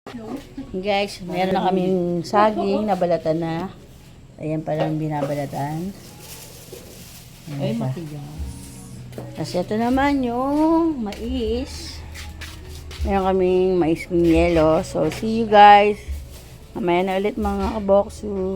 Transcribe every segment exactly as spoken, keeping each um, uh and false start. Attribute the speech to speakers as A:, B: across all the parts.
A: Guys, meron na kaming saging na balatan na. Ayan palang binabalatan. Ayan
B: Ay,
A: siya.
B: matigas.
A: Tapos ito naman yung mais. Meron kaming mais ng yelo. So, see you guys. Mamaya na ulit mga kaboksu.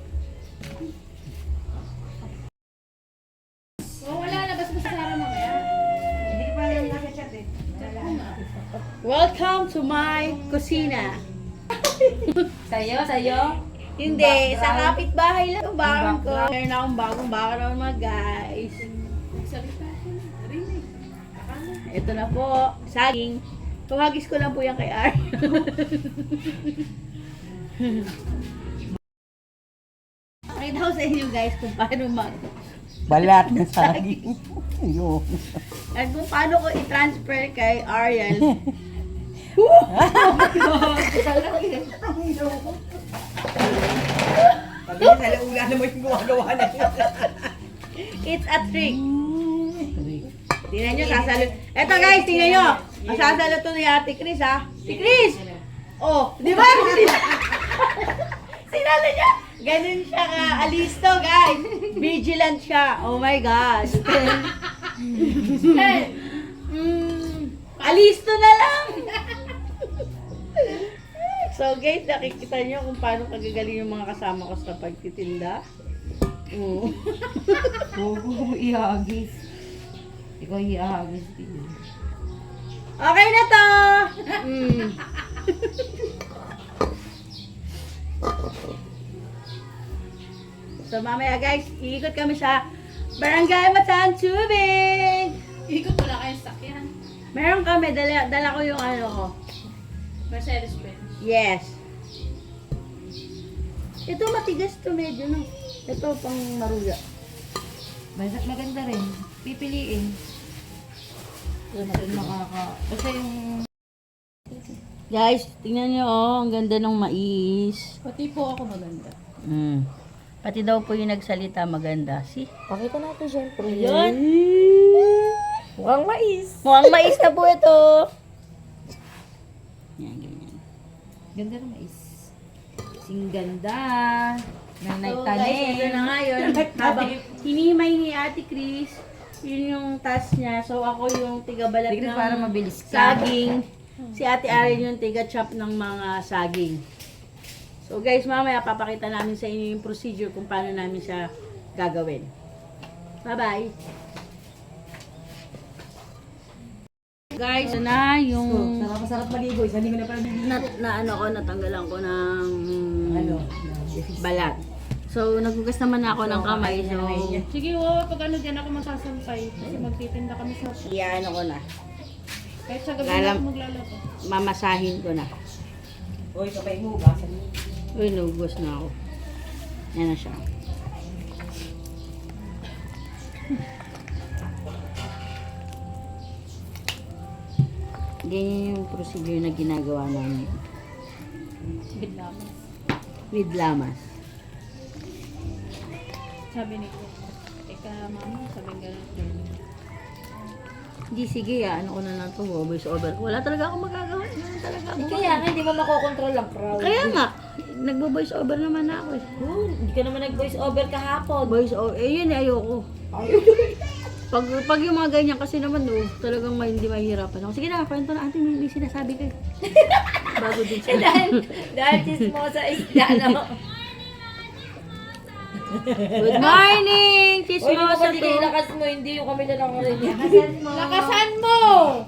A: Welcome to my kusina.
B: Sayo, sayo.
A: Hindi, sa kapitbahay lang yung baron ko. Meron akong bagong baron mga guys. Ito na po, saging. Tuhagis ko lang po yan kay Ar. Pakita ko sa inyo guys kung paano mag...
C: Balat na saging. Yun.
A: At kung paano ko i-transfer kay Ariel.
C: Sabi niya, sa laula naman yung gumagawa na yun.
A: It's a trick. Tingnan nyo, sasalot. Eto guys, tingnan nyo. Masasalot to ni Ate Chris ha. Si Chris! Oh, di ba? Sinala niya. Ganun siya ka. Alisto guys. Vigilant siya. Oh my gosh. mm, alisto na lang. So guys, nakikita nyo kung paano kagagaling yung mga kasama ko sa pagtitinda. Mm.
B: Huwag mo ihagis. Ikaw ihagis din.
A: Okay na to! Mm. So mamaya guys, iikot kami sa Barangay Matan Tubig!
D: Ikot wala kayong sakyan.
A: Meron kami, dala, dala ko yung ano ko.
D: Mercedes Benz.
A: Yes. Ito matigas to medyo no. Ito pang maruya.
B: Basta maganda rin. Pipiliin. Yung makaka... Basta yung...
A: Guys, tingnan nyo oh, ang ganda ng mais.
D: Pati po ako maganda.
A: Mm. Pati daw po yung nagsalita maganda. See?
B: Pakita natin syempre.
A: Yun.
B: Mukhang mais.
A: Mukhang mais na po ito. Yan, ganyan.
B: Ganda ng mais. Sing ganda. Nang
A: So guys, ito na
B: naitanim.
A: nga yun. Habang hinimay ni Ate Chris, yun yung task niya. So ako yung tigabalat
B: Tignan
A: ng
B: para mabilis ka.
A: saging. Si Ate Ariel yung tiga-chop ng mga saging. So guys, mamaya papakita namin sa inyo yung procedure kung paano namin siya gagawin. Bye-bye! Guys, ito na yung
C: Sarap masarap maligo. Isa hindi ko na pala niligo.
A: na, na ano ko, natanggalan ko ng
C: Ano?
A: balat. So, naghugas naman ako ng kamay. So,
D: Sige, wow, pag ano dyan ako magsasampay. Kasi magtitinda kami sa...
A: iyaano ko na.
D: Kahit sa gabi na
A: Lalam-
D: ako maglalaba.
A: Mamasahin ko na.
C: Uy, kapay mo. Gasan mo.
A: Uy, nagugas na ako. Yan na siya. Ganyan yung procedure na ginagawa namin
D: Bidlamas.
A: with lamas.
D: Sabi ni ko, eka mama, sabi nga lang.
A: Hindi, sige ah, ano ko na lang to, voice over. Wala talaga akong magagawa. Ano talaga ako.
B: Kaya nga, hindi mo makokontrol ang crowd.
A: Kaya nga, nagbo-voice over naman na ako eh.
B: Oh, hindi ka naman nag-voice over kahapon.
A: Voice over, eh yun eh, ayoko. Pag, pag yung mga ganyan kasi naman, oh, talagang may, hindi mahihirapan ako. Sige na, kwento na, ate, may, may sinasabi kayo. Bago din siya.
B: dahil, dahil chismosa isda, no?
A: Good morning!
B: Uy,
A: Chismosa
B: hindi
A: to.
B: kayo lakas mo, hindi yung kami na nakarinig.
D: Lakasan mo!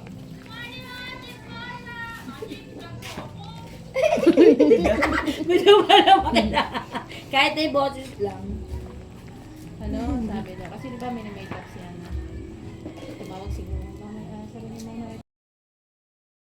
B: Gusto mo na makita. Kahit ay boses lang.
D: Ano, sabi daw. Kasi di ba may na-makeup siya na. Tumawag siguro. Mama, ah, sabi ni mama,